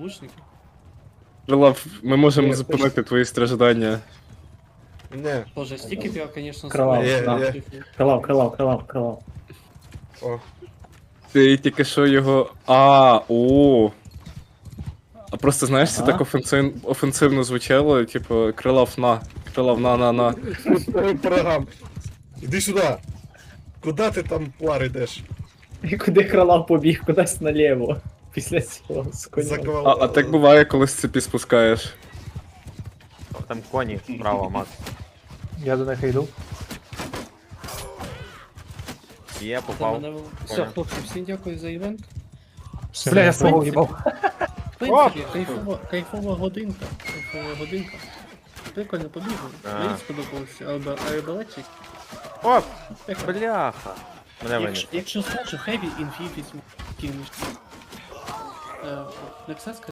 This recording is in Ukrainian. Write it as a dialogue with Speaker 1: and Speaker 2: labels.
Speaker 1: лучники.
Speaker 2: Крилав, ми можемо зупинити твої страждання.
Speaker 3: Не.
Speaker 1: Боже, стіків я, конечно,
Speaker 4: Кровав,
Speaker 1: забрав.
Speaker 4: да. Крилав.
Speaker 3: О.
Speaker 2: Ти тільки що його. О. А просто знаєш, це так офенсивно звучало, типу, крилав на.
Speaker 3: Прогам. Іди сюди. Куда ти там, Лар, йдеш?
Speaker 4: І куди крилав побіг? Кудись наліво. Після цього з коня.
Speaker 2: А так буває, коли з цепі спускаєш.
Speaker 5: Там коні справа, Макс.
Speaker 6: Я до них йду.
Speaker 5: Є,
Speaker 1: Та
Speaker 5: попав.
Speaker 1: мене... Все, хлопці, всім дякую за івент.
Speaker 6: Бля, я свого їбав.
Speaker 1: В принципі, кайфова годинка. Прикольно побігли.
Speaker 5: Да.
Speaker 1: Мені сподобався арбалетчик.
Speaker 5: О, бляха. Мене виніс.
Speaker 1: Якщо схоже, Heavy Infinity кинеш. Nexus